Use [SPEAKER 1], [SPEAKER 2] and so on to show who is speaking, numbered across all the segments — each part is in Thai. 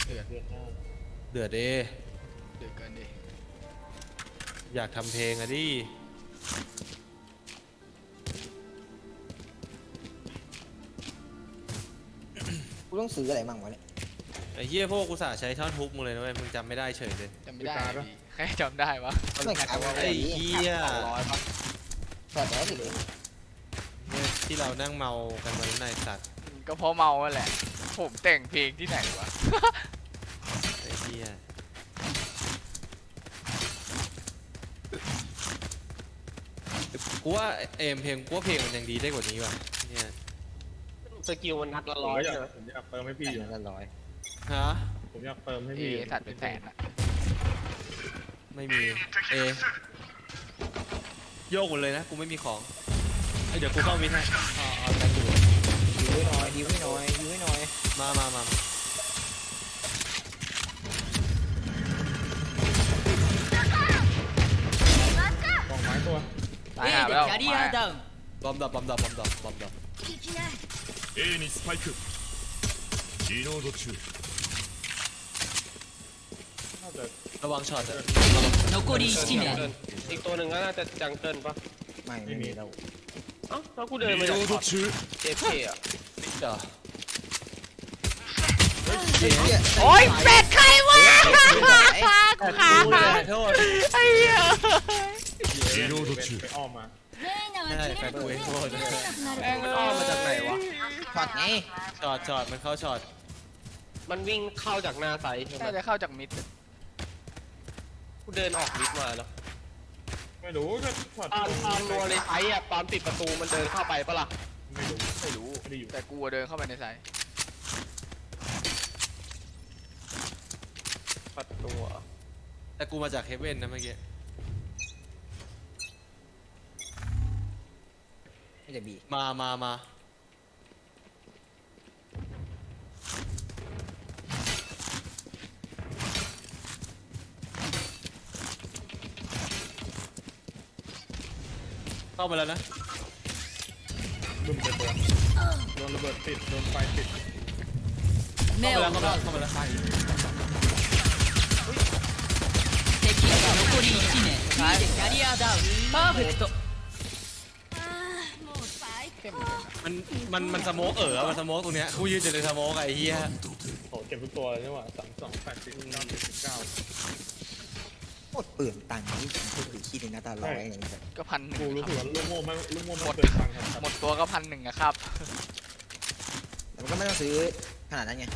[SPEAKER 1] เดือด
[SPEAKER 2] เดือนหน้า
[SPEAKER 3] เดือดเอ
[SPEAKER 1] เดือดเกินดิ
[SPEAKER 3] อยากทำเพลงอะดิ
[SPEAKER 4] กูต้องซื้ออะไรมั่งวะเนี่ย
[SPEAKER 3] ไอ้เหี้ยพวกกูสาใช้ท่อนฮุกมึงเลยนะเว้ยมึงจำไม่ได้เฉยเลย
[SPEAKER 1] จำไม่ได้ดิแค่จำได้วะ
[SPEAKER 4] ไม่ขายว่า
[SPEAKER 3] ไอ้เหี้ย
[SPEAKER 1] 200ป่ะ
[SPEAKER 4] แต่แล้วสิเลย
[SPEAKER 3] เนี่ยที่เรานั่งเมากันวันนั้นนายสัตว์
[SPEAKER 1] ก็เพราะเมาแหละผมแต่งเพลงที่ไหนวะ
[SPEAKER 3] ไอ้เหี้ยกูว่าเอ็มเพลงกูว่าเพลงมันยังดีได้กว่านี้ว่ะเนี่ย
[SPEAKER 5] สกิลมันนัดละ
[SPEAKER 2] ผม
[SPEAKER 5] ร้อย
[SPEAKER 2] ก็อยาก
[SPEAKER 5] ใช่ไหม
[SPEAKER 2] ผมอยากเติมให้พี่อยู่
[SPEAKER 4] ละร้อย
[SPEAKER 3] ฮะ
[SPEAKER 2] ผมอยากเติมให้
[SPEAKER 1] เอ
[SPEAKER 2] พี่อยู่
[SPEAKER 1] สัตว์เป็นแสนอะ
[SPEAKER 3] ไม่มีเอโยกหมดเลยนะกูไม่มีของเอ้ยเดี๋ยวกูเข้ามิดให้เอาแต่กู
[SPEAKER 4] ดิวให้หน่อยดิวให้หน่อยดิวให้หน่อย
[SPEAKER 3] มา
[SPEAKER 2] กองไม้ตัว
[SPEAKER 1] ตายหาไปแล้ว
[SPEAKER 6] キャリアダウン
[SPEAKER 3] บอมดับบอมดับบอมดับบอมดับ
[SPEAKER 7] A にスパイクリロード中
[SPEAKER 2] น่าจะ
[SPEAKER 3] ระวังช็อตอะ
[SPEAKER 6] 残り
[SPEAKER 5] เดิ
[SPEAKER 6] 1
[SPEAKER 5] น
[SPEAKER 6] 名
[SPEAKER 5] อีกตัวหนึ่งก็น่าจะจังเกิลปะ
[SPEAKER 4] ไม่มีแล้ว
[SPEAKER 5] เอ้าแล้วกูเดิน
[SPEAKER 7] リ
[SPEAKER 5] มา
[SPEAKER 7] ロ
[SPEAKER 5] จาก
[SPEAKER 7] ード中
[SPEAKER 5] เจฟเคอ่ะ
[SPEAKER 3] เดี๋ยว
[SPEAKER 1] โอ้ยเป็ดใครวะ
[SPEAKER 3] ขาโทษ
[SPEAKER 1] ไอ้เหี้ย
[SPEAKER 7] リロード
[SPEAKER 2] ไป
[SPEAKER 7] 中
[SPEAKER 2] อ้อมมา
[SPEAKER 3] ใช่แฟนกูเองโทษ
[SPEAKER 1] แม่งมันอ้อมมาจากไหนวะ
[SPEAKER 4] ช็อตไง
[SPEAKER 3] ช็อตมันเข้าช็อต
[SPEAKER 5] มันวิ่งเข้าจากหน้าไซส์ใช่ไหม
[SPEAKER 1] น่าจะเข้าจากมิด
[SPEAKER 5] กูเดินออกลิฟต์มาแล้ว
[SPEAKER 2] ไม่รู้ก็ช็อต
[SPEAKER 5] ตอนรัวเลยไซส์อ่ะตอนปิดประตูมันเดินเข้าไปปะล่ะ
[SPEAKER 2] ไม่รู้
[SPEAKER 1] ไม่รู้
[SPEAKER 2] ไม่ได้อยู่
[SPEAKER 1] แต่กูอะเดินเข้าไปในไซต์
[SPEAKER 5] ประตูอะ
[SPEAKER 3] แต่กูมาจากเฮเว่นนะเมื่อกี้
[SPEAKER 4] ไม่จะบี
[SPEAKER 3] มาเข้ามาแล้วนะ
[SPEAKER 2] ดุ่มเจ็บตัวโดนระเบิดติดโดนไฟติด
[SPEAKER 6] 目を奪う
[SPEAKER 3] เข้ามาแล้ว
[SPEAKER 6] 敵残り1名キャリアダウンパーフェクト
[SPEAKER 1] เข้มเลยนะ
[SPEAKER 3] มันสโมกมันสโมกตรงเนี้ยกูยืนอยู่ในสโมกไอ้เหี้ย
[SPEAKER 2] โหเก็บทุกตัวเลยนี่หว่า32 80
[SPEAKER 4] โคตรเปลืองตังค์นี่ผมพูดถึงขี้ในหน้าตาร้อยอะไรอย่างเงี้ย
[SPEAKER 1] ก็1,100
[SPEAKER 2] กูรู้สึกว่าลูกโม่ไม่เคยฟังครับ
[SPEAKER 1] หมดตัวก็1,100อะครับ
[SPEAKER 4] แต่มันก็ไม่ต้องซื้อขนาดนั้นไง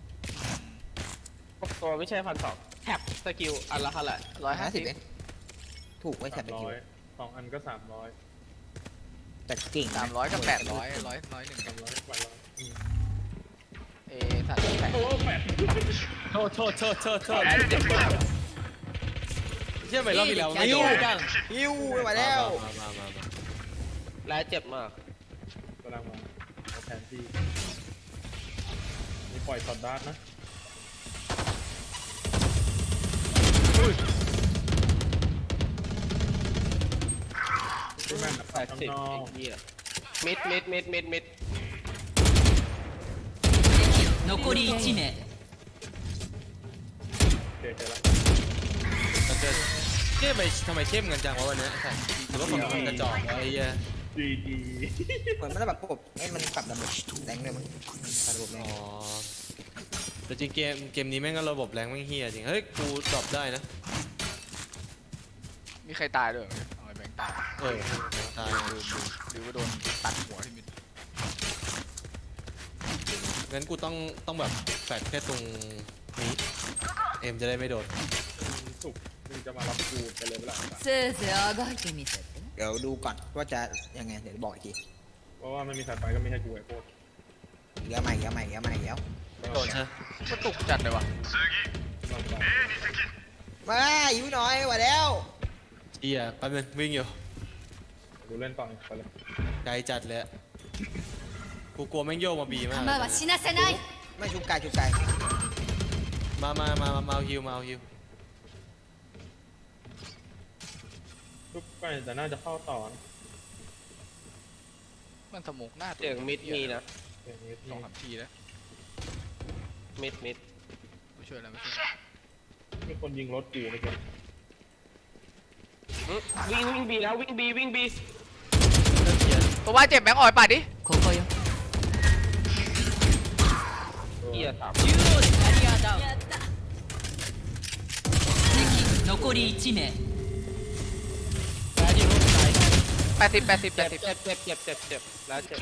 [SPEAKER 5] ตัวไม่ใช่1,200แท็บสกิลอันละเท่าไหร่
[SPEAKER 4] 50เองถูกไว้แถบไปคิว
[SPEAKER 2] 300 2 อันก็ 300
[SPEAKER 4] แต่เก่งนะ
[SPEAKER 1] 300กับ800ร้อยหนึ่ง
[SPEAKER 2] 300กว่าร้อย
[SPEAKER 1] เอสัตว์แปด
[SPEAKER 2] โอ้แปด
[SPEAKER 3] โทษเชื่อไหมรอบที่แล้ว
[SPEAKER 6] キャリアダウン
[SPEAKER 4] ฮิวไม่ไหวแล้ว
[SPEAKER 3] มา
[SPEAKER 5] และเจ็บมาก
[SPEAKER 2] กำลังมาเอาแทนที่มีปล่อยช็อตดาร์ทนะดูแม่นแบบข้าง
[SPEAKER 5] 80
[SPEAKER 2] นอก
[SPEAKER 5] ไอ้เหี้ยมิด
[SPEAKER 6] 残り1名
[SPEAKER 2] เจอแล้ว
[SPEAKER 3] มันจะเชื่อไหมทำไมเข้มกันจังวะวันนี้หรือว่าฝั่งมันกระจอกไอ้เหี้ย
[SPEAKER 2] ดี
[SPEAKER 4] เหมือนมันแบบระบบให้มันปรับระบบแรงเลยมั้งปรับระบบแร
[SPEAKER 3] อ๋
[SPEAKER 4] ง
[SPEAKER 3] อแต่จริงเกมนี้แม่งก็ระบบแรงแม่งเฮียจริงเฮ้ยกูตอบได้นะ
[SPEAKER 1] มีใครตายด้วยเหรอเอาไอ้แบงค์ตาย
[SPEAKER 3] ตาย
[SPEAKER 1] หรือว่าโดนตัดหัวที่มิด
[SPEAKER 3] งั้นกูต้องแบบแฟดแค่ตรงนี้เอ็มจะได้ไม่โดน
[SPEAKER 2] สุกมึงจะมารับกูไปเลยเวลา
[SPEAKER 6] せいぜいあがいてみせて
[SPEAKER 4] เดี๋ยวดูก่อนว่าจะยังไงเดี๋ยวบอกอีกที
[SPEAKER 2] เพราะว่าไม่มีสายไฟก็ไม่ให้กูไอ้โคตร
[SPEAKER 4] เดี๋ยวใหม่เดี๋ยวใหม่เดี๋ยวใหม่เดี๋ยว
[SPEAKER 3] โดนใช่
[SPEAKER 1] ก็ตุกจัดเลยวะ
[SPEAKER 4] มาหิวหน่อยไหวแล้ว
[SPEAKER 3] เฮียแป๊บนึงวิ่งอยู่
[SPEAKER 2] กูเล่นต่อไปเลย
[SPEAKER 3] ไกลจัดเลยอะกูกลัวแม่งโยกมาบีมาก
[SPEAKER 6] 弾は死なせない
[SPEAKER 4] ไม่ชุบกายชุบกาย
[SPEAKER 3] มาเอาฮิวมาเอาฮิว
[SPEAKER 2] ทุกไปแต่น่าจะเข้าต่อนะ
[SPEAKER 1] มันสมุกหน้า
[SPEAKER 5] เสียงมิดมีนะ
[SPEAKER 2] อย่างนี้
[SPEAKER 1] 2-3ทีแล้ว
[SPEAKER 5] มิด
[SPEAKER 1] ไม่ช่วยแล้วไม่ช่วยแล้ว
[SPEAKER 2] มีคนยิงรถกูเมื่อกี้
[SPEAKER 5] วิ่งบีแล้ววิ่งบี
[SPEAKER 1] ตัวว่าเจ็บแบงค์อ่อยปัดดิ
[SPEAKER 6] ここよ
[SPEAKER 5] เฮียสาม
[SPEAKER 6] 中央でキャリアダウン敵残り1名
[SPEAKER 5] แพ้ยิงรถตาย
[SPEAKER 1] 80
[SPEAKER 5] เจ็บแล้วเจ็บ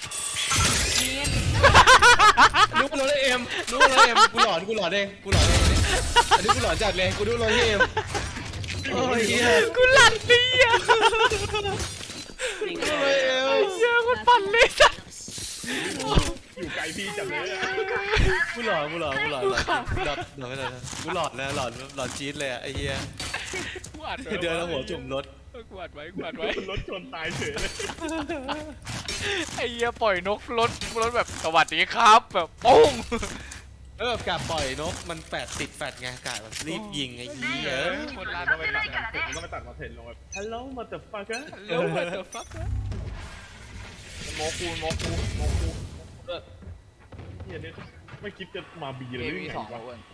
[SPEAKER 3] รู้เลยเอ็มรู้เลยเอ็มกูหลอนเองอันนี้กูหลอนจัดเลยกูดูเลยเอ็มโอ้ยเหี้ย
[SPEAKER 1] กูหลั่นดิอ่ะ
[SPEAKER 5] ยิง
[SPEAKER 3] ดู
[SPEAKER 5] เล
[SPEAKER 3] เลย ยเอ็ม
[SPEAKER 1] เหี้ยอะมันปั่นเลยสัส
[SPEAKER 2] อยู่ไกลพี่จังเลยอะ
[SPEAKER 3] กูหลอนกูหลอนไม่ได้กูหลอนนะหลอนจี๊ดเลยอะไอ้เหี้ย
[SPEAKER 1] กูอัดไว้
[SPEAKER 3] เดินแล้วหัวจุ่มรถ
[SPEAKER 1] กูอัดไว้
[SPEAKER 2] รถชนตายเฉยเลย
[SPEAKER 1] ไอ้เหี้ยปล่อยนกรถแบบสวัสดีครับแบบปุ้ง
[SPEAKER 3] แล้วแบบกาบปล่อยนกมันแฟดติดแฟดไงกาแบบรีบยิงไอ้เหี้ย
[SPEAKER 1] คนร้าน
[SPEAKER 2] ต้องไปตัดมันผมต้องไปตัดมาเทรนลงแบบ Hello motherfucker
[SPEAKER 1] เร็วเดี๋ยวฟักโมกู
[SPEAKER 2] เฮียเนี่ยไม่คิดจะมาบีเลย
[SPEAKER 1] เอ
[SPEAKER 2] หรือ
[SPEAKER 1] วี
[SPEAKER 2] ไง
[SPEAKER 1] สอง
[SPEAKER 2] วะ
[SPEAKER 1] อ้วน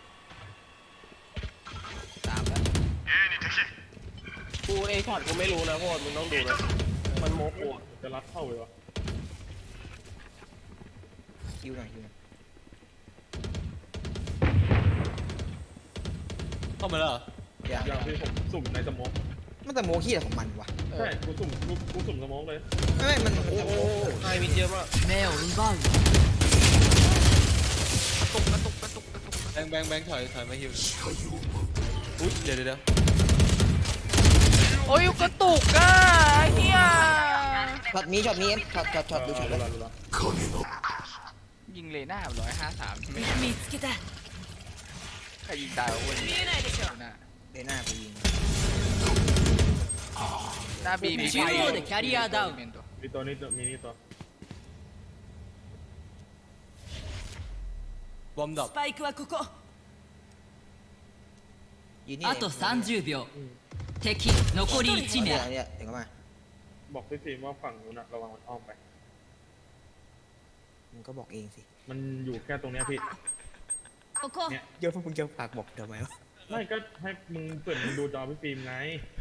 [SPEAKER 1] ตามแล้ว
[SPEAKER 5] กูไอ้ช็อตกูไม่รู้นะโคตรมึงต้องดูนะมันโมกู
[SPEAKER 2] จะรัดเข้าเลยวะ
[SPEAKER 4] คิวหน่อย
[SPEAKER 3] เข้ามาแล้วเหรอ
[SPEAKER 4] อย่า
[SPEAKER 2] อย่างที่ผมสุ่มในสโมอง
[SPEAKER 4] มันแต่โมขี้อะไรของมันวะ
[SPEAKER 2] ใช่กูสุ่มสโมองเลย
[SPEAKER 4] ไม่มัน
[SPEAKER 5] โอ้โหไฮวินเยอะมาก
[SPEAKER 6] 目を奪う
[SPEAKER 3] แบงค์ถอยมาฮิวอุ๊ยเดี๋ยว
[SPEAKER 1] โอ้ยกระตุกอ่ะเฮีย
[SPEAKER 4] ช็อตนี้เอ็มช็อตดูช็อตเลย
[SPEAKER 1] ยิงเลยหน้า153ไม่
[SPEAKER 6] 見つけた
[SPEAKER 1] ใครยิงตายวะอ้วน
[SPEAKER 6] 見えないでしょ
[SPEAKER 1] หน้า
[SPEAKER 4] เดน่ากูยิง
[SPEAKER 1] หน้าบี
[SPEAKER 6] 中央でキャリアダウン
[SPEAKER 2] มีตัวนี้มีนี่ตัว
[SPEAKER 3] บอมดรอป
[SPEAKER 6] スパイクはここ
[SPEAKER 4] ยืนนี่
[SPEAKER 6] あと30秒敵残り1名
[SPEAKER 4] เนี่ยเดี๋ยวก็มา
[SPEAKER 2] บอกพี่ฟิล์มว่าฝั่งนู้นอะระวังมันอ้อมไป
[SPEAKER 4] มึงก็บอกเองสิ
[SPEAKER 2] มันอยู่แค่ตรงเนี้ยพี่
[SPEAKER 6] ここ
[SPEAKER 2] เนี่ย
[SPEAKER 4] เดี๋ยวพวกมึงจะฝากบอกทำไมวะ
[SPEAKER 2] ไม่ก็ให้มึงเปิดมึงดูจอพี่ฟิล์มไง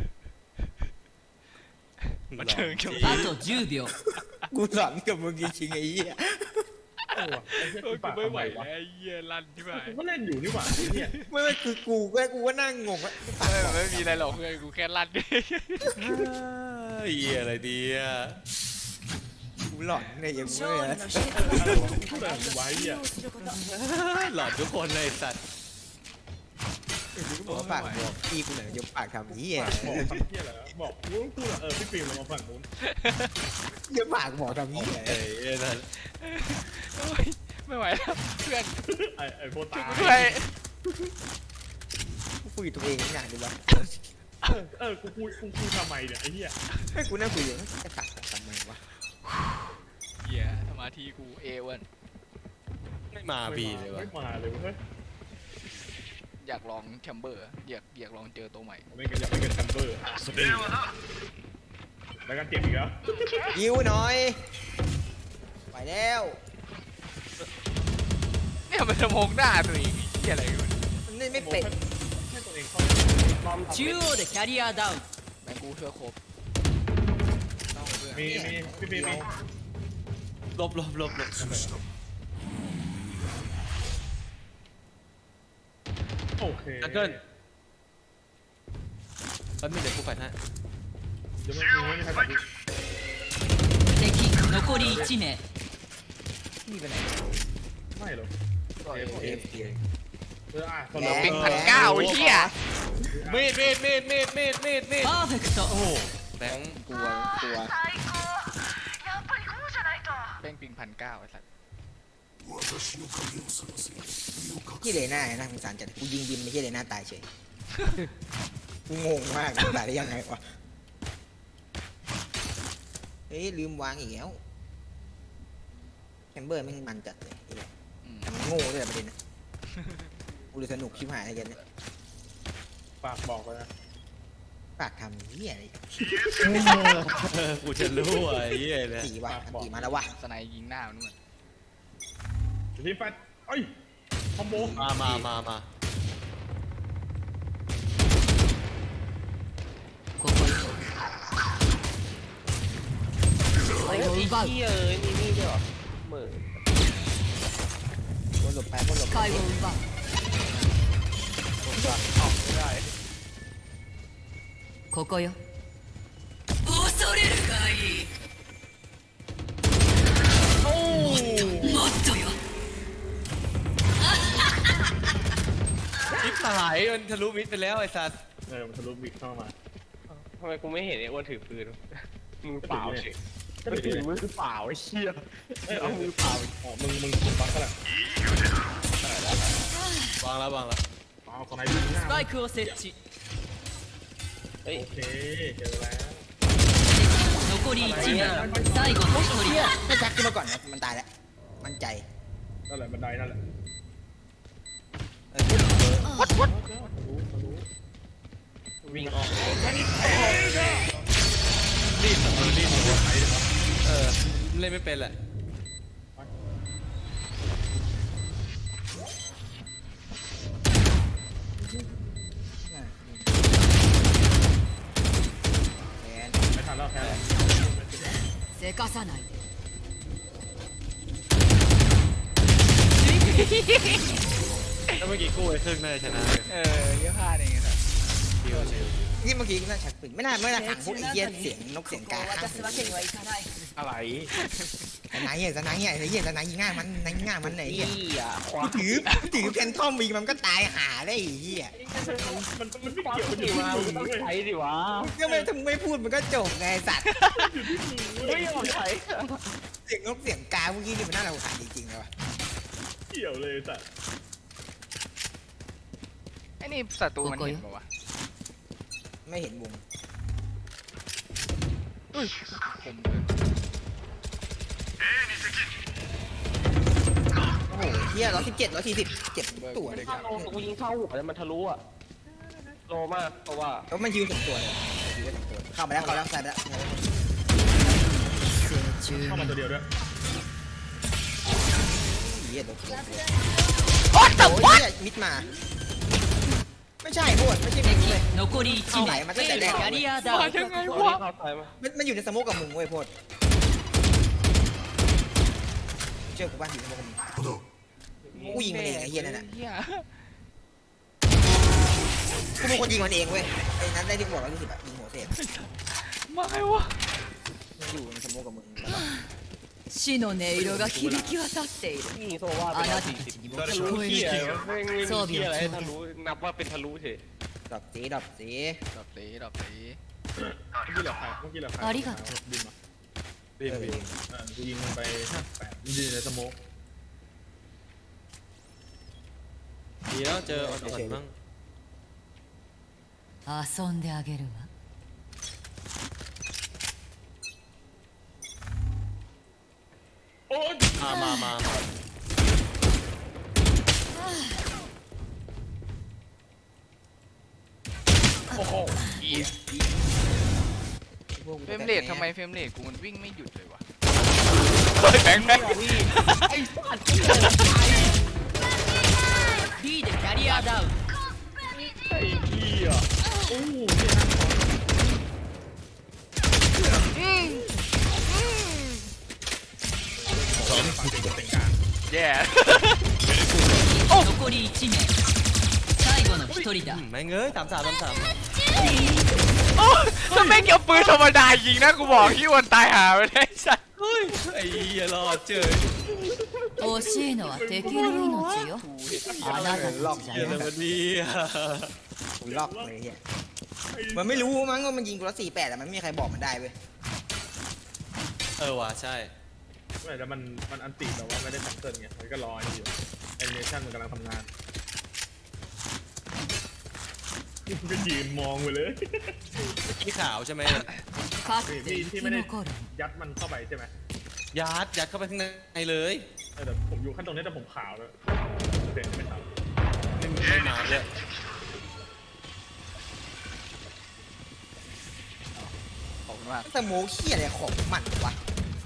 [SPEAKER 1] มาเชิงเขียว
[SPEAKER 6] あと10秒
[SPEAKER 4] กูสอนกับมึงจริงๆไอ้เหี้ย
[SPEAKER 2] เออว่ะไอ้เหี้ยกูปากทำไมวะ
[SPEAKER 1] ไอ้เหี้ยลั่นที่ไหน
[SPEAKER 2] กูก็เล่นอยู่นี่หว่าไอ้เหี้ย
[SPEAKER 4] ไม่คือกูก็นั่งงงว่า
[SPEAKER 1] ไม่มีอะไรหรอกเพื่อนกูแค่ลั่นดิ
[SPEAKER 3] เหี้ยอะไรดีอ่ะ
[SPEAKER 4] กูหลอนเนี่ยยังไม่เลย
[SPEAKER 2] พูดอะไรของกูไว้อ่ะ
[SPEAKER 3] หลอนทุกคนเลยสัตว์
[SPEAKER 4] กูบอกว่าฝากบอกพี่กูหน่อยจะฝากทำเหี้ย
[SPEAKER 2] บอกทำเหี้ยอะไรวะบอกกูพูดอะพี่ฟิล์มเรามาฝั่งนู้น
[SPEAKER 4] จะฝากบอกทำเหี้ย
[SPEAKER 3] เอ้ยนั่น
[SPEAKER 1] โอ้ยไม่ไหวแล้วเพื่อน
[SPEAKER 2] ไอ้โพตา
[SPEAKER 1] ช่วยกูด้วย
[SPEAKER 4] กูคุยกับตัวเองอย่างดีวะ
[SPEAKER 2] กูพูดทำไมเนี่ยไอ้เหี้ย
[SPEAKER 4] ให้กูนั่งคุยอยู่จะฝากทำไมวะ
[SPEAKER 1] เหี้ยสมาธิกูเอวัน
[SPEAKER 3] ไม่มาบีเลยวะ
[SPEAKER 2] ไม่มาเลยเว้ย
[SPEAKER 1] อยากลองแชมเบอร์อยากลองเจอตัวใหม่
[SPEAKER 2] ไม่กันอยากไปกันแชมเบอร์แล้วกันเจ็บอีกแล้ว
[SPEAKER 4] ยิวหน่อยไปแล้ว
[SPEAKER 1] เนี่ยมันจะมองหน้าตัวเองเหี้ยอะไรกัน
[SPEAKER 4] มันไม่เป็ด
[SPEAKER 2] ให้ตัวเองเข้า
[SPEAKER 5] บอมทำ
[SPEAKER 6] 中央でキャリアダウン
[SPEAKER 1] แบงกูเชื่อครบต้องเพื่อน
[SPEAKER 2] มีพี่ฟิล์มมี
[SPEAKER 3] ลบ
[SPEAKER 2] โอเค
[SPEAKER 3] แป๊บนึงเดี๋ยวกูแฟนให้
[SPEAKER 2] เดี๋ยวไม่มีใครตัด
[SPEAKER 6] 敵残り1名
[SPEAKER 4] นี่ไปไหน
[SPEAKER 2] ไม่หรอก
[SPEAKER 1] ก็เอ
[SPEAKER 4] เอฟ
[SPEAKER 2] คน
[SPEAKER 1] เหลื
[SPEAKER 2] เรา
[SPEAKER 1] อปิง1,900ไอ้เหี้ย
[SPEAKER 3] มีด
[SPEAKER 6] パーフェクト
[SPEAKER 3] โอ้โหแบงค์
[SPEAKER 4] กลัว
[SPEAKER 1] แป้งปิง1,900ไอ้สัส
[SPEAKER 4] ที่เลน่าน่าสงสารจัดกูยิงบินไม่ใช่เลน่าตายเฉยกูงงมากตายได้ยังไงวะเฮ้ยลืมวางอีกแล้วแคมเบอร์แม่งมันจัดเลยไอ้เหี้ย
[SPEAKER 1] อืม
[SPEAKER 4] แต่มันโง่ด้วยประเด็นนะกูเลยสนุกชิบหายอะไรกันเนี่ย
[SPEAKER 2] ฝากบอกเลยนะ
[SPEAKER 4] ฝากทำเหี้ยอะไร
[SPEAKER 3] กูจะรู้ไอ้เหี้ยเนี่ย
[SPEAKER 4] ตีว่ะตีมาแล้ววะ
[SPEAKER 1] สไนยิงหน้ามันนู่น
[SPEAKER 2] ทีมแฟตเอ้ยคอมโบ
[SPEAKER 3] มา
[SPEAKER 6] を奪う
[SPEAKER 5] เหี้ยเอ้ยนี่ด้วยเหรอเหมือน
[SPEAKER 4] บนหลบไปบนหลบ
[SPEAKER 6] 視界を奪う
[SPEAKER 1] ไม่ได้
[SPEAKER 6] ここよ恐れるがいいもっとよ
[SPEAKER 3] มิดหายมันทะลุมิดไปแล้วไอ้สัส
[SPEAKER 2] มันทะลุบิ๊กเข้ามา
[SPEAKER 5] ทำไมกูไม่เห็นไอ้อ้วนถือปืนมือเปล่าเฉย
[SPEAKER 2] ก็ถือมือเปล่าไอ้เชี่ยเอามือเปล่าอ๋อมึงบักก็แหละ
[SPEAKER 3] วางแล้ว
[SPEAKER 2] อ๋อของนายบิ๊กหน้า
[SPEAKER 6] スパイクを設置
[SPEAKER 5] เฮ้ย
[SPEAKER 2] โอเคเจอแล้ว
[SPEAKER 6] 残り1名最後の1人
[SPEAKER 4] ถ้าแจ็คขึ้นมาก่อนนะมันตายแล้วมั่นใจ
[SPEAKER 2] นั่นแหละบันไดนั่นแหละ
[SPEAKER 4] วัด
[SPEAKER 5] วิ่งออก
[SPEAKER 3] เล่นไม่เป็นแหละ
[SPEAKER 2] ไม่ทันแล้วแค่
[SPEAKER 6] せかさないで
[SPEAKER 3] ถ้าเมื่อกี้กู้ไอ้ครึ่งน่าจะชนะเลย
[SPEAKER 1] เยอะพลาดเองครับ
[SPEAKER 4] นี่เมื่อกี้น่าชักปืนไม่น่าขังพวกไอ้เหี้ยเสียงนกเสียงกา
[SPEAKER 6] 渡すわけにはいかない
[SPEAKER 2] อะไร
[SPEAKER 4] สนายเหี้ยสนายเหี้ยไอ้เหี้ยสนายยิงง่ายมันง่ายมันไหนเหี้ย
[SPEAKER 5] เหี้ยควา
[SPEAKER 4] ถือเพนทอมวีมันก็ตายหาได้ไอ้เหี้ย
[SPEAKER 2] มันไม่เกี่ยวมันอ
[SPEAKER 5] ที่
[SPEAKER 2] ยู่
[SPEAKER 5] มา
[SPEAKER 2] ที่มึง
[SPEAKER 5] ต้อง
[SPEAKER 2] เว้ย
[SPEAKER 5] ใช้ดิวะ
[SPEAKER 4] ก็ไม่ถ้ามึงไม่พูดมันก็จบไงไอ้สัตว์
[SPEAKER 5] ไม่ยอมใช้
[SPEAKER 4] เสียงนกเสียงกาเมื่อกี้นี่มันน่ารำคาญจริงๆเลยว่ะ
[SPEAKER 2] เกี่ยวเลยแต่
[SPEAKER 1] ไอ้นี่ศัตรูมันเห็นปะวะ
[SPEAKER 4] ไม่เห็นมุม
[SPEAKER 1] ผม
[SPEAKER 4] โอ้โหเหี้ย117 140เจ็บตัวเลย
[SPEAKER 5] ถ้าโลกูยิงเข้าหัวแล้วมันทะลุอ่ะโลมากเพราะว่า
[SPEAKER 4] แล้วมันยิวถึงตัวเลยยิวถึงตัวเข้ามาแล้วใส่แล้ว
[SPEAKER 2] เข้ามาตัวเดียวด้วย
[SPEAKER 4] เหี้ยตัวเหี้ย
[SPEAKER 1] What the
[SPEAKER 4] โอ้
[SPEAKER 1] what
[SPEAKER 4] ยมิดมา ไม่ใช่โคตรไม่ใช่มิดเลย
[SPEAKER 6] 残り1名
[SPEAKER 4] また出たよ
[SPEAKER 6] キャリアダウ
[SPEAKER 1] มา
[SPEAKER 6] ン
[SPEAKER 1] ยังไง
[SPEAKER 5] ตัว
[SPEAKER 1] วะ
[SPEAKER 5] นี้เข้าซ้ายมา
[SPEAKER 4] มันอยู่ในสโมกกับมึงเว้ยโพดเชื่อกูป่ะอยู่ในสโมกกับมึงกูยิงมันเองไอ้เหี้ยนั่นน่ะ
[SPEAKER 1] เหี้ย
[SPEAKER 4] กูเป็นคนยิงมันเองเว้ยไอ้นั้นได้ที่กูบอก120อะยิงหัวเศษ
[SPEAKER 1] มาไงวะ
[SPEAKER 4] มันอยู่ในสโมกกับมึง
[SPEAKER 6] 死の音色が響き渡っている
[SPEAKER 5] ยิงโซว่าไป
[SPEAKER 6] あ
[SPEAKER 5] แล้ว
[SPEAKER 6] なたたちにも
[SPEAKER 5] ทะ
[SPEAKER 6] 聞
[SPEAKER 5] ลุ
[SPEAKER 6] こえ
[SPEAKER 5] เหี้ย
[SPEAKER 6] る
[SPEAKER 5] ไม่มีเหี้ยอะไรให้ทะลุนับว่าเป็นทะลุเฉย
[SPEAKER 4] ดอกสีดอกสี
[SPEAKER 1] ดอกตีดอกตี
[SPEAKER 2] เมื่อกี้เหลือใครบินมา
[SPEAKER 3] บิน
[SPEAKER 2] กูยิงมันไป58มันยืนในสโมก
[SPEAKER 3] ดีแล้วเจออ่อนๆบ้าง
[SPEAKER 6] 遊んであげるわ
[SPEAKER 2] โอ๊ย
[SPEAKER 3] มา
[SPEAKER 1] โอ้โหเหี้ยเฟรมเรททำไมเฟรมเรทกูมันวิ่งไม่หยุดเลยวะเฮ้ยแบงค์
[SPEAKER 6] B でキャリアダウン
[SPEAKER 2] ไอ้เหี้ยโอ้โหเนี่ยนะ
[SPEAKER 1] แย่
[SPEAKER 6] 残り1名最後の1人だ
[SPEAKER 3] แม่งเอ้ย33
[SPEAKER 1] โอ้ยถ้าแม่งเอาปืนธรรมดายิงนะกูบอกที่วันตายหาไปได้สัส
[SPEAKER 3] เฮ้ยไอ้เหี้ยรอดเจอ
[SPEAKER 6] 惜しいのは敵の命よあなたたちじゃ
[SPEAKER 3] เหี้ยอะไร
[SPEAKER 6] ない
[SPEAKER 3] มันดีอ่ะ
[SPEAKER 4] กูลอกเลยเหี้ยมันไม่รู้มั้งว่ามันยิงกูละ48แต่มันไม่มีใครบอกมันได้เว้ย
[SPEAKER 3] ว่ะใช่
[SPEAKER 2] ไม่แต่มันอันติแต่ว่าไม่ได้แพทเทิร์นไงมันก็รออยู่แอนิเมชันมันกำลังทำงานมันก็ยืนมองไปเลย
[SPEAKER 3] ขี้ขาวใช่ไหม
[SPEAKER 6] かつて生き残る
[SPEAKER 2] ยัดมันเข้าไปใช่ไหม
[SPEAKER 3] ยัดเข้าไปข้างในเลย
[SPEAKER 2] แต่ผมอยู่ขั้นตรงนี้แต่ผมขาวแล้วโอเคไม่ขาว
[SPEAKER 3] ไม่มาเลย
[SPEAKER 1] ขอบคุณมาก
[SPEAKER 4] สโมกเหี้ยอะไรของมันวะ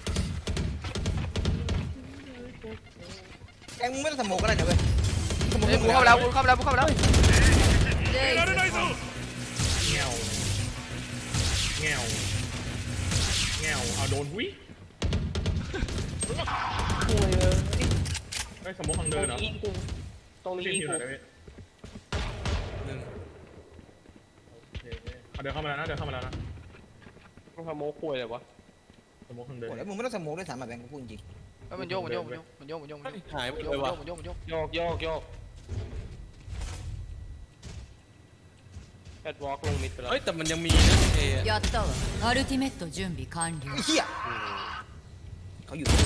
[SPEAKER 4] แกมึงไม่ต้องสโมกก็ได้นะเว้ยสโมก
[SPEAKER 1] เฮ้ยกูเข้าไปแล้วกูเข้าไปแล้วกูเข้าไปแล้ว
[SPEAKER 2] แง่วแง่วเอาโดนวิ
[SPEAKER 5] กูเลย
[SPEAKER 2] ไอ้สมมติทางเดินเหรอ
[SPEAKER 5] ยิงกูตรงนี้
[SPEAKER 2] พี่
[SPEAKER 5] ยิง
[SPEAKER 2] คิวห
[SPEAKER 5] กู
[SPEAKER 2] น่อยได้ไหม
[SPEAKER 3] หนึ่ง
[SPEAKER 2] โอเคเอาเดินเข้ามาแล้วนะเดินเข้ามาแล้วนะ
[SPEAKER 5] มึงทำโม้คุยเลยวะ
[SPEAKER 2] สมมติทางเดิน
[SPEAKER 4] โอ้แล้วมึงไม่ต้องสโมกด้วยซ้ำแบบแบงค์กูพูดจริง
[SPEAKER 1] เฮ้ยมันโยกมันโยกมันโยกมันโยกมันโยกมันโยก
[SPEAKER 3] หายไป
[SPEAKER 1] มันโย
[SPEAKER 3] เล
[SPEAKER 1] ก
[SPEAKER 3] ยว่ะ
[SPEAKER 1] มันโยกมันโยก
[SPEAKER 5] โยกโยกโยกแอดวอล์กลงมิดไปแล้ว
[SPEAKER 3] เฮ้ยแต่มันยังมีนะเอ
[SPEAKER 6] やったわアルティメット準備完了
[SPEAKER 4] ไอ้เหี้ยเขาอยู่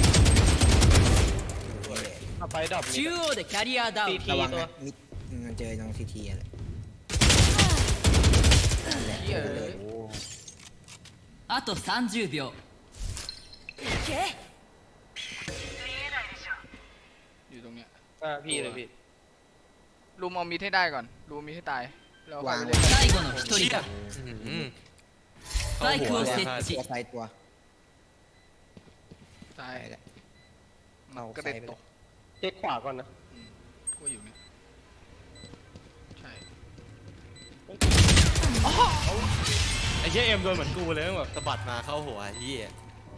[SPEAKER 5] เอาไปดับมิด
[SPEAKER 6] 中央でキャリアダウン
[SPEAKER 4] ระวัง
[SPEAKER 5] ตัว
[SPEAKER 4] นะมิดมันเจอน้องทีทีอะไร
[SPEAKER 1] เหี้ยเลย
[SPEAKER 6] あと30秒
[SPEAKER 1] อยู่ตรงเนี้ย
[SPEAKER 5] พี่เลยพี่
[SPEAKER 1] ลุมเอามีดให้ได้ก่อนลุมเอามีดให้ตายแล้วค่อ
[SPEAKER 4] วาย ง
[SPEAKER 1] ไป
[SPEAKER 4] ไว้
[SPEAKER 1] เล่น
[SPEAKER 6] 最後の一
[SPEAKER 3] เชี่
[SPEAKER 6] 人
[SPEAKER 3] ย
[SPEAKER 6] だ
[SPEAKER 3] เข้าหัว
[SPEAKER 6] スパイクを設
[SPEAKER 3] พลาด
[SPEAKER 6] 置
[SPEAKER 4] ตัวไฟตัว
[SPEAKER 1] ตาย
[SPEAKER 4] ไปแล้ว
[SPEAKER 1] มันกระเด็นตก
[SPEAKER 5] เช็คขวาก่อนนะ
[SPEAKER 1] ก็อยู่เนี่ยใช่
[SPEAKER 3] ไอ้เชี่ยเอ็มโดนเหมือนกูเลยแบบสะบัดมาเข้าหัวไอ้เหี้ย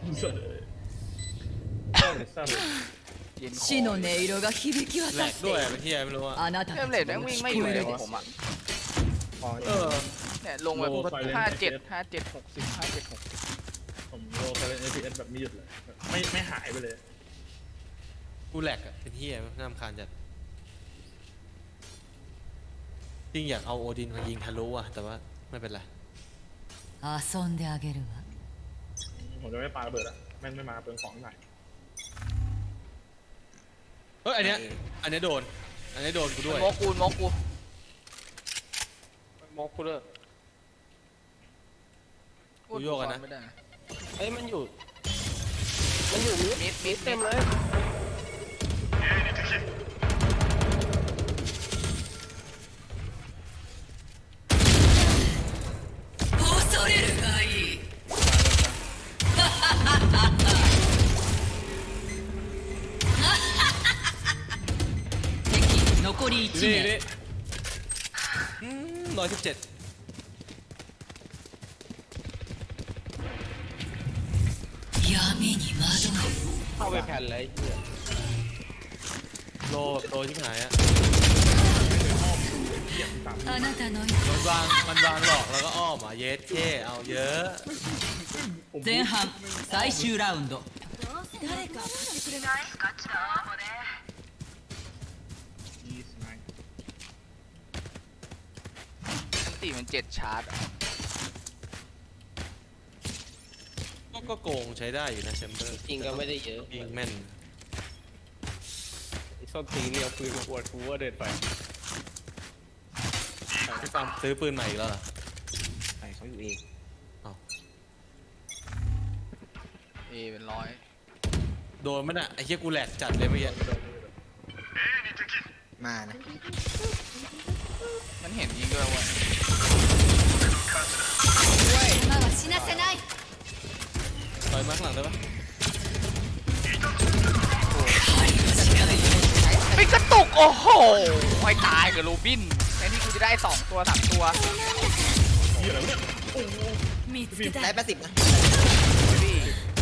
[SPEAKER 1] เย็นค
[SPEAKER 6] 死
[SPEAKER 1] อ
[SPEAKER 6] の音色が響き
[SPEAKER 3] แหล
[SPEAKER 6] 渡
[SPEAKER 3] ก
[SPEAKER 6] って
[SPEAKER 3] ด้วย
[SPEAKER 6] いる
[SPEAKER 3] ไอ้เหี้ยไม่รู้ว่า
[SPEAKER 6] あなた
[SPEAKER 1] เริ่
[SPEAKER 6] た
[SPEAKER 1] ม
[SPEAKER 6] ち
[SPEAKER 1] เลทแม่งวิ่งไม่อยู่เลย
[SPEAKER 6] 聞こえる
[SPEAKER 1] ผมอ่ะ
[SPEAKER 4] พอ
[SPEAKER 3] เออ
[SPEAKER 1] เนี่ยลงแบบ
[SPEAKER 2] โลไฟเลน
[SPEAKER 1] 57
[SPEAKER 2] ผมโลไฟเลน FPS แบบไม่หยุดเลยไม่หายไปเลย
[SPEAKER 3] กูแหลกอะเป็นเหี้ยน่ารำคาญจัดจริงอยากเอาโอดินมายิงทะลุอะแต่ว่าไม่เป็นไร
[SPEAKER 6] 遊んであげるわ
[SPEAKER 2] ผมจะไม่ปาระเบิดอ่ะแม่งไม่มาเปลืองของหน่อย
[SPEAKER 3] เฮ้ยอันเนี้ยโดนอันนี้โดนกูด้วย
[SPEAKER 1] โมกูโมกู
[SPEAKER 5] มอกคูเลอร์
[SPEAKER 3] กูโยกอะนะ
[SPEAKER 1] ไม่ได้
[SPEAKER 5] เฮ้ยมันอยู่มิด
[SPEAKER 1] มิด
[SPEAKER 5] เต็มเลย
[SPEAKER 6] 恐れるがいい敵残り
[SPEAKER 3] อยู่
[SPEAKER 6] 1
[SPEAKER 3] นี่
[SPEAKER 6] 名
[SPEAKER 3] 117
[SPEAKER 6] 闇に惑
[SPEAKER 5] เข้าไปแผ่นเลยไอ้เหี้ย
[SPEAKER 3] โลแบบโตชิบหายอะ
[SPEAKER 6] うあなたの
[SPEAKER 3] มันวางหลอกแล้วก็อ้อมอ่ะเยสเท่เอาเยอะ
[SPEAKER 6] 前半最終ラウンド
[SPEAKER 1] อันตีมัน7ชาร์จอะ
[SPEAKER 3] ก็โกงใช้ได้อยู่นะแชมเบอร์
[SPEAKER 5] จริงก็ไม่ได้เยอะ
[SPEAKER 3] ยิงแม่น
[SPEAKER 5] ไอ้ส้นตีนเนี่ยเอาปืนมาอวดกูว่าเดินไป
[SPEAKER 3] พี่ปั๊มซื้อปืนใหม่อีกแล้วเหรอ
[SPEAKER 4] ไปเขาอยู่เอง
[SPEAKER 1] เอเป็นร้อย
[SPEAKER 3] โดนมันอ่ะไอ้เหี้ยกูแหลกจัดเลยเมื่อกี้
[SPEAKER 4] มานะ
[SPEAKER 1] มันเห็นยิงด้วยเว้ย
[SPEAKER 6] 今は死なせない
[SPEAKER 3] ต่อยมาข้างหลังได้ปะ
[SPEAKER 1] ไม่กระตุกโอ้โหไอ้ตายกับโรบินแทนที่กูจะได้2 ตัว 3 ตัว
[SPEAKER 6] 見つけた
[SPEAKER 4] ได้80นะ
[SPEAKER 1] พี่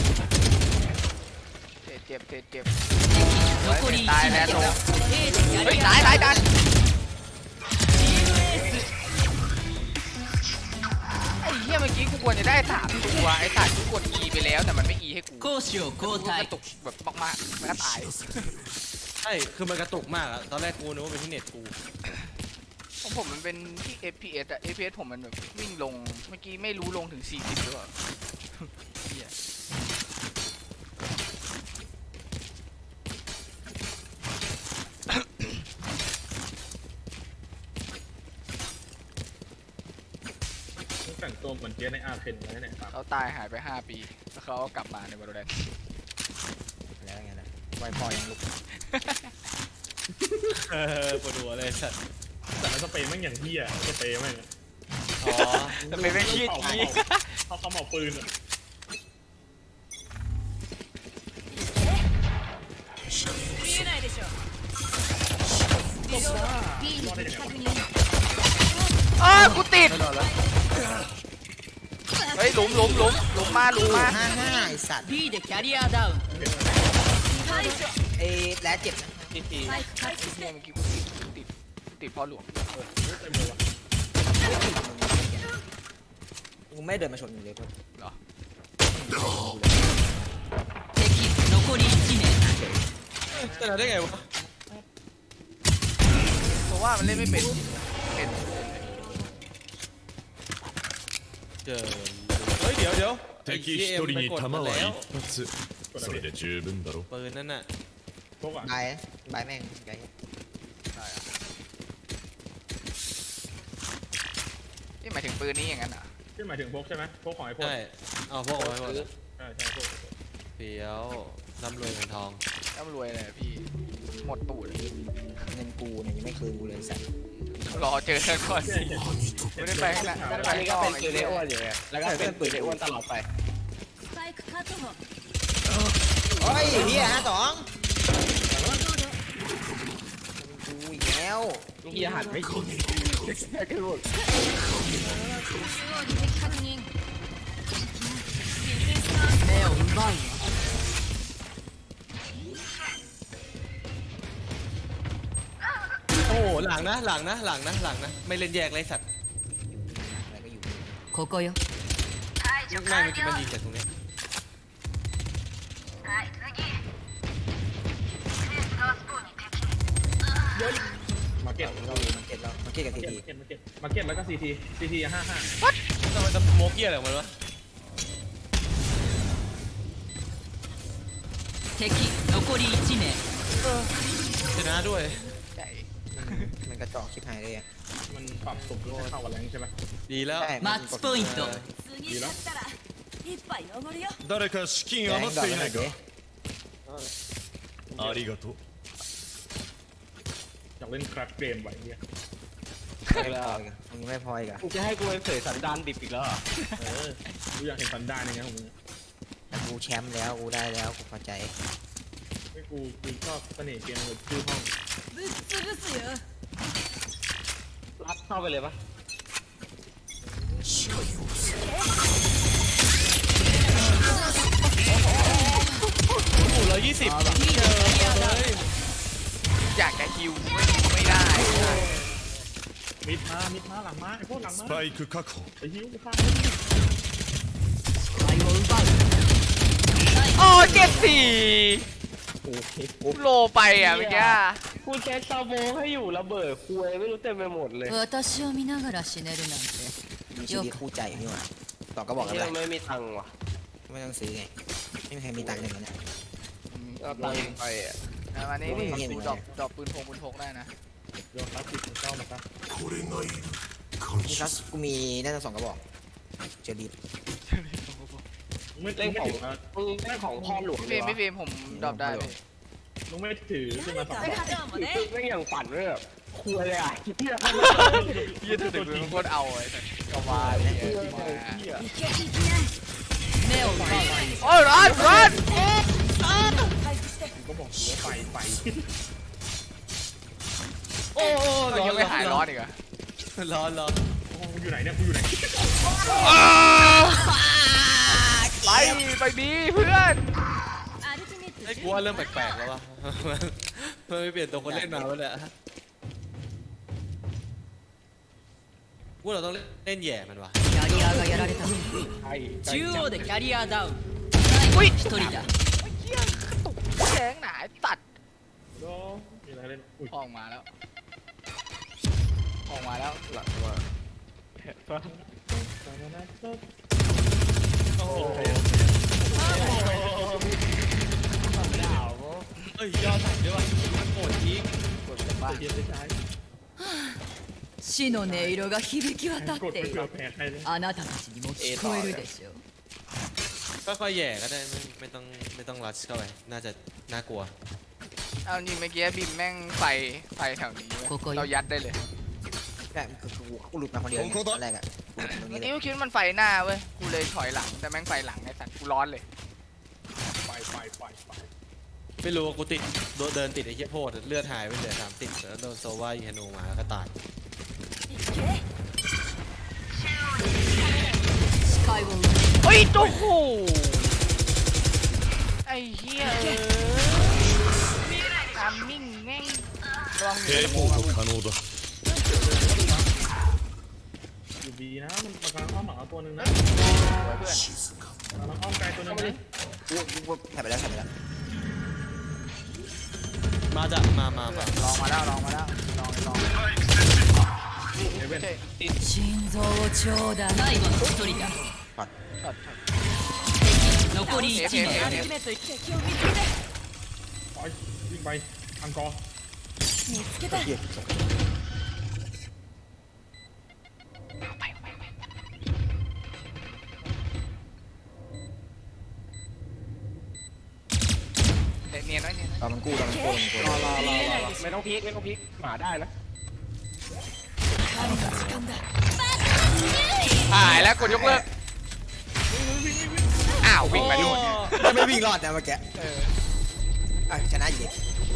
[SPEAKER 1] เจ็บ
[SPEAKER 6] 残り1
[SPEAKER 1] ตายแล้ว
[SPEAKER 6] 名
[SPEAKER 1] โดน
[SPEAKER 6] A でキャ
[SPEAKER 1] เฮ้ย
[SPEAKER 6] リ
[SPEAKER 1] ตาย
[SPEAKER 6] ア
[SPEAKER 1] ตายตายไอ้เหี้ยเมื่อกี้กูควรจะได้3 ตัวไอ้สัตว์กูกด E ไปแล้วแต่มันไม่ E ให้กู
[SPEAKER 6] 攻守を
[SPEAKER 1] กู
[SPEAKER 6] 交
[SPEAKER 1] ก
[SPEAKER 6] 代
[SPEAKER 1] ระตุกแบบมากๆแล้วก็ตาย
[SPEAKER 3] ใช่คือมันกระตุกมากอะตอนแรกกูนึกว่าเป็นที่เน็ตกู
[SPEAKER 1] ของผมมันเป็นที่ FPS อะ FPS ผมมันแบบวิ่งลงเมื่อกี้ไม่รู้ลงถึง40หรือเปล่าเหี้ย
[SPEAKER 2] แต่งตัวเหมือนเจ๊ในอาร์เคนเลยเนี่ยครับ
[SPEAKER 1] เขาตายหายไป5 ปีแล้วเขาก็กลับมาในวอลเลน
[SPEAKER 4] แล้วไงล่ะไวพอยังลุก
[SPEAKER 3] ปวดหัวเลยสัตว์
[SPEAKER 2] แต่มันสเปรย์แม่งอย่างเหี้ยสเปรย์แม่ง
[SPEAKER 3] อ๋อ
[SPEAKER 1] แต่เป็นไม่ขี้กี้
[SPEAKER 2] เขาเอาปืนอ่ะ
[SPEAKER 1] อ้ากูติดเฮ้ยหลุมมา
[SPEAKER 4] 55ไอ้สัตว์
[SPEAKER 6] B でキャリアダウン
[SPEAKER 4] เอ้แล้วเจ็บนะ
[SPEAKER 5] ทีที
[SPEAKER 1] เนี่ยเมื่อกี้กูติดเพราะหลวม
[SPEAKER 2] เต็มเลยวะ
[SPEAKER 4] กูไม่เดินมาชนมึงเลยเพื่อน
[SPEAKER 1] เหรอ
[SPEAKER 6] 敵残り1名
[SPEAKER 3] ชนะได้ไงวะ
[SPEAKER 1] เพราะว่ามันเล่นไม่เป็นเป็น
[SPEAKER 3] เจอเฮ้ยเดี๋ยว
[SPEAKER 7] 敵一人に弾は一発それで十分だろ
[SPEAKER 3] ปืนนั่นน่ะ
[SPEAKER 2] พวกอ่ะ
[SPEAKER 4] บายแม่งไกล
[SPEAKER 1] ได้อะนี่หมายถึงปืนนี้อย่างนั้นเหรอ
[SPEAKER 2] ที่หมายถึงพวกใช่ไหมพวกของไอ้พวก
[SPEAKER 3] ใช่เอาพวกเอาไว้หมดเลย
[SPEAKER 2] ใช่พวก
[SPEAKER 3] เฟี้ยวร่ำรวยเงินทอง
[SPEAKER 1] ร่ำรวยเลยอะพี่หมดตูด
[SPEAKER 4] เงินกูเนี่ยยังไม่คืนกูเลยไอ้สัตว์
[SPEAKER 1] รอเจอกันก่อนสิไม่ได้ไปข้างหน้าไม่ได้ไป
[SPEAKER 5] อันนี้ก็
[SPEAKER 1] ข้างน
[SPEAKER 5] เป็
[SPEAKER 1] อน ก
[SPEAKER 5] ปืนไอ้อ้วนอยู่ไงแล้วก็เป็นปืนไอ้อ้วนตลอดไป
[SPEAKER 4] โอ้ยเฮีย52กูอีกแล้ว
[SPEAKER 5] เฮียหันไม่ยิงแค่กระโดด
[SPEAKER 6] 目を奪うわ
[SPEAKER 3] โอ้โหหลังนะไม่เล่นแยกเลยสัตว์
[SPEAKER 4] อะไรก็อยู่
[SPEAKER 6] ここよ
[SPEAKER 3] แม่งเมื่อกี้มันยิงจากตรงเนี้ย
[SPEAKER 2] มาเก็ต
[SPEAKER 4] มันเก็ตแล้วมันเก็ตกับทีที
[SPEAKER 2] มาเก็ตแล้วก็ซีที55
[SPEAKER 3] ทำไมจะโมกี้อะไรของมันวะ
[SPEAKER 6] 敵残り1名
[SPEAKER 3] ชนะด้วย
[SPEAKER 1] ใช่
[SPEAKER 4] มันกระจอกชิบหายเลยอ่ะ
[SPEAKER 2] มันปรับสุ่มให้เข้ากับแรงใช่ไหม
[SPEAKER 3] ดีแล้ว
[SPEAKER 4] ใช่
[SPEAKER 6] マッチポイント
[SPEAKER 7] 誰か資金余っていないかありがとう
[SPEAKER 2] อยากเล่นคราฟเกมไว้เนี่ย
[SPEAKER 4] มึงไม่พออีกอ่ะ
[SPEAKER 5] มึงจะให้กูไปเผยสันดานดิบอีกแล้วเหรอ
[SPEAKER 2] กูอยากเห็นฟันได้ยังไงของมึง
[SPEAKER 4] แต่กูแชมป์แล้วกูได้แล้วกูพอใจ
[SPEAKER 2] ไม่กูชอบเสน่ห์เกมเลยชื่อห้อง
[SPEAKER 5] รัดเข้าไปเลยปะ
[SPEAKER 3] โอ้โห120
[SPEAKER 1] อยากจะฮิวไม่ได้
[SPEAKER 2] มิดมาหลังมาไอ้พวกหลัง
[SPEAKER 7] ス
[SPEAKER 2] มา
[SPEAKER 7] パイク確保
[SPEAKER 2] ไอ้ฮิวกูฆ่า
[SPEAKER 6] 視界を奪う
[SPEAKER 1] โอ้74โลไปอ่ะเมื่อกี้
[SPEAKER 5] กูแค่ซาโบให้อยู่ระเบิดคุยไม่รู้เต็มไปหมดเลย
[SPEAKER 6] 私を見ながら死ねるなんて
[SPEAKER 4] มีชีวิตคู่ใจนี่หว่าต่อก็บอกกัน
[SPEAKER 5] เฮี
[SPEAKER 4] ไป
[SPEAKER 5] ยไม่มีตังค์ว่ะ
[SPEAKER 4] ไม่ต้องซื้อไงไม่มีใครมีตังค์หนึ่งนะ
[SPEAKER 5] เอาตังค์
[SPEAKER 1] ไปอ่ะเอามานี่
[SPEAKER 4] โอ้ยเหี้ย
[SPEAKER 1] กูดรอปปืนพกได้นะ
[SPEAKER 2] โยนคลาสสิกของเจ้ามาซะ
[SPEAKER 4] มีครับกูมีน่าจะ2กระบอกเจอรีบ
[SPEAKER 2] มึงไม่
[SPEAKER 5] เล่นของ
[SPEAKER 2] ถือนะ
[SPEAKER 5] มึงเล่นของพ่อหลวง
[SPEAKER 1] พี่ฟิล์มผมดรอปได้พี่
[SPEAKER 2] มึงไม่ถือขึ้นมา2
[SPEAKER 5] ไม่อย่างฝันเลยแบบคุยเลยอ่ะเฮีย
[SPEAKER 1] ยืดถึงมือโคตรเอาไอ้สัสกวาเลย
[SPEAKER 5] เฮีย
[SPEAKER 6] 目を奪うわ
[SPEAKER 1] โอ้ยร้อน
[SPEAKER 2] กูก็บอกหัวไฟ
[SPEAKER 3] โอ้โห
[SPEAKER 1] ยังไม่หายร้อนอีกเหรอ
[SPEAKER 3] ร้อน
[SPEAKER 2] โอ้กูอยู่ไหนเนี่ยกูอยู่ไหน
[SPEAKER 1] ไปดีเพื่อน
[SPEAKER 3] ไอ้กูว่าเริ่มแปลกๆแล้ววะมันไม่เปลี่ยนตัวคนเล่นมาแล้วเนี่ยกูเราต้องเล่นแย่มันวะ
[SPEAKER 6] キャリアがやられた
[SPEAKER 5] ไอ้
[SPEAKER 6] 中央でキャリアダウン
[SPEAKER 1] อุ้ย
[SPEAKER 6] 一人だ
[SPEAKER 1] แข็งหนาตัด
[SPEAKER 2] โดมีอะไรเล่นอุ้ย
[SPEAKER 1] ออกมาแล้วหลังตัว
[SPEAKER 3] โอ้โหเอ้ยยอดสั่งด้วยวะมันโกรธทิ้ง
[SPEAKER 1] กดจากบ้าน
[SPEAKER 2] เย็นได้ใช้
[SPEAKER 6] 死の音色が響き渡
[SPEAKER 2] กด
[SPEAKER 6] って
[SPEAKER 2] ไป
[SPEAKER 6] い
[SPEAKER 2] เผื่อ
[SPEAKER 6] る
[SPEAKER 2] แพ้ใครเลย
[SPEAKER 6] あなたたちにも聞こえるでしょう
[SPEAKER 3] ค่อยๆแย่ก็ได้ไม่ต้องรัชเข้าไปน่าจะน่ากลัว
[SPEAKER 1] เอาจริงเมื่อกี้บิมแม่งไฟแถวนี้เว้ยเรายัดได้เลย
[SPEAKER 4] แต่คือกูหลุดมาคนเดียวตอนแรกอ่ะตรง
[SPEAKER 1] เมื่
[SPEAKER 4] นี้
[SPEAKER 1] อ
[SPEAKER 4] เล
[SPEAKER 1] กี้
[SPEAKER 4] ย
[SPEAKER 1] กูคิดว่ามันไฟหน้าเว้ยกูเลยถอยหลังแต่แม่งไฟหลังไอ้สัตว์กูร้อนเลย
[SPEAKER 2] ไฟ
[SPEAKER 3] ไม่รู้ว่ากูติดเดินติดไอ้เหี้ยโพดเลือดหายไปเหลือ30แล้วโดนโซว่ายิงธนูมาแล้วก็ตาย
[SPEAKER 6] 視界
[SPEAKER 1] เฮ้ยโอ้โหไอ้เหี้ยทามมิ่งแม่งลองอยู่
[SPEAKER 7] テレ
[SPEAKER 1] ใน
[SPEAKER 7] ポ
[SPEAKER 1] โม
[SPEAKER 7] ー
[SPEAKER 1] มา
[SPEAKER 7] ト可能だ
[SPEAKER 2] อยู่บีนะมันกำลังอ้อมหลังเอาตัวหนึ่งนะ
[SPEAKER 1] เพื่อน
[SPEAKER 2] กำลังอ้อมไกลตัวหนึ่งนะ
[SPEAKER 4] กูแถบไปแล้วแถบไปแล้ว
[SPEAKER 3] มาจ้ะมา
[SPEAKER 1] ลองมาแล้วลองลอง
[SPEAKER 2] เอเว่น
[SPEAKER 1] ใช่
[SPEAKER 6] 心臓をちょうだい最後の一人だ
[SPEAKER 1] ช็อต
[SPEAKER 6] 残り1名
[SPEAKER 1] F
[SPEAKER 2] ไปวิ่งไปอังกอร์
[SPEAKER 4] เหี้ยส่ง
[SPEAKER 1] เนียนไว้เนียนไว้
[SPEAKER 4] เอามันกู้เรามันกู้มันกู้
[SPEAKER 5] รอไม่ต้องพีคไม่ต้องพีคหมาได้นะ
[SPEAKER 1] หายแล้วกดยกเลิกอ้าววิ่งไปนู่น
[SPEAKER 4] ไม่วิ่งรอดนะเมื่อกี้ชนะอยู่ดิ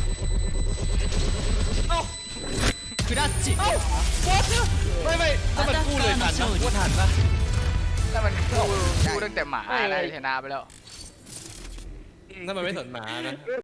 [SPEAKER 6] クラッチ
[SPEAKER 3] ไม่ถ้ามันกู้เลยทันนะกูทันปะ
[SPEAKER 1] ถ้ามันกู้ตั้งแต่หมาได้ชนะไปแล้ว
[SPEAKER 3] ถ้ามันไม่สนหมานะ